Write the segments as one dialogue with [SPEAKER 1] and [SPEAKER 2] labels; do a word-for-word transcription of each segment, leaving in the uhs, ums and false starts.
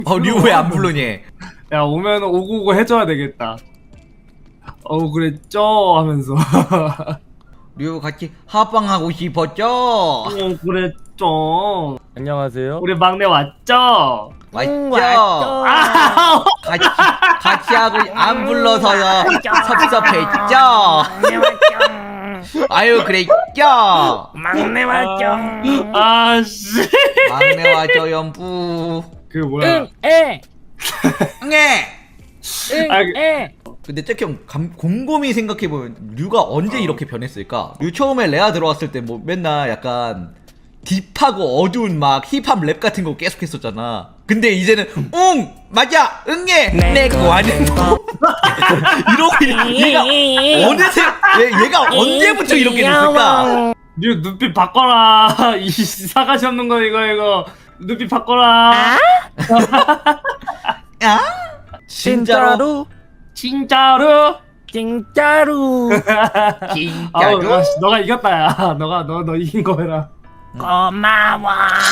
[SPEAKER 1] 어, 류 왜 안 부르니?
[SPEAKER 2] 야 오면 오구오구 해줘야 되겠다. 어우 그랬죠 하면서.
[SPEAKER 1] 류 같이 합방하고 싶었죠?
[SPEAKER 2] 어 그랬죠.
[SPEAKER 3] 안녕하세요.
[SPEAKER 2] 우리 막내 왔죠?
[SPEAKER 1] 맞죠?
[SPEAKER 2] 아,
[SPEAKER 1] 같이 같이 하고 안 불러서요 섭섭했죠? 아유 그랬죠?
[SPEAKER 3] 막내 왔죠.
[SPEAKER 2] 아씨.
[SPEAKER 1] 막내와 저연부
[SPEAKER 2] 그 뭐야?
[SPEAKER 3] 에.
[SPEAKER 1] 네.
[SPEAKER 2] 아, 그-
[SPEAKER 3] 에.
[SPEAKER 1] 근데 잭형 곰곰이 생각해보면 류가 언제 이렇게 변했을까? 류 처음에 레아 들어왔을 때 뭐 맨날 약간 딥하고 어두운 막 힙합 랩 같은 거 계속 했었잖아. 근데 이제는 응! 맞아! 응애! 내거 아는 거 이러고 얘가 어느새 얘, 얘가 언제부터 이렇게 됐을까?
[SPEAKER 2] 류 눈빛 바꿔라. 이 사가시 없는 거 이거 이거 눈빛 바꿔라.
[SPEAKER 1] 야? 진짜로?
[SPEAKER 2] 진짜로?
[SPEAKER 3] 진짜로.
[SPEAKER 2] 아우,
[SPEAKER 1] 진짜로?
[SPEAKER 2] 야, 씨, 너가 이겼다 야. 너가 너 너 이긴 거 해라.
[SPEAKER 3] 고마워.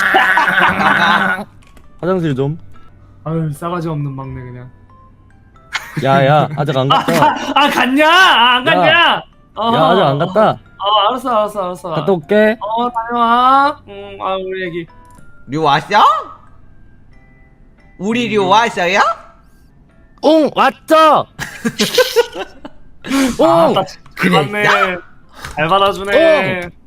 [SPEAKER 3] 화장실 좀.
[SPEAKER 2] 아유 싸가지 없는 막내 그냥.
[SPEAKER 3] 야야 아직 안 갔다.
[SPEAKER 2] 아 갔냐? 아, 안 갔냐? 어,
[SPEAKER 3] 야 아직 안 갔다.
[SPEAKER 2] 어 알았어 알았어 알았어.
[SPEAKER 3] 갔다 올게.
[SPEAKER 2] 어 다녀와. 응아 우리 애기.
[SPEAKER 1] 류 왔어? 우리 류 왔어요?
[SPEAKER 3] 응 왔죠.
[SPEAKER 2] 아,
[SPEAKER 3] 응.
[SPEAKER 2] 딱 그렇네. 잘 받아주네.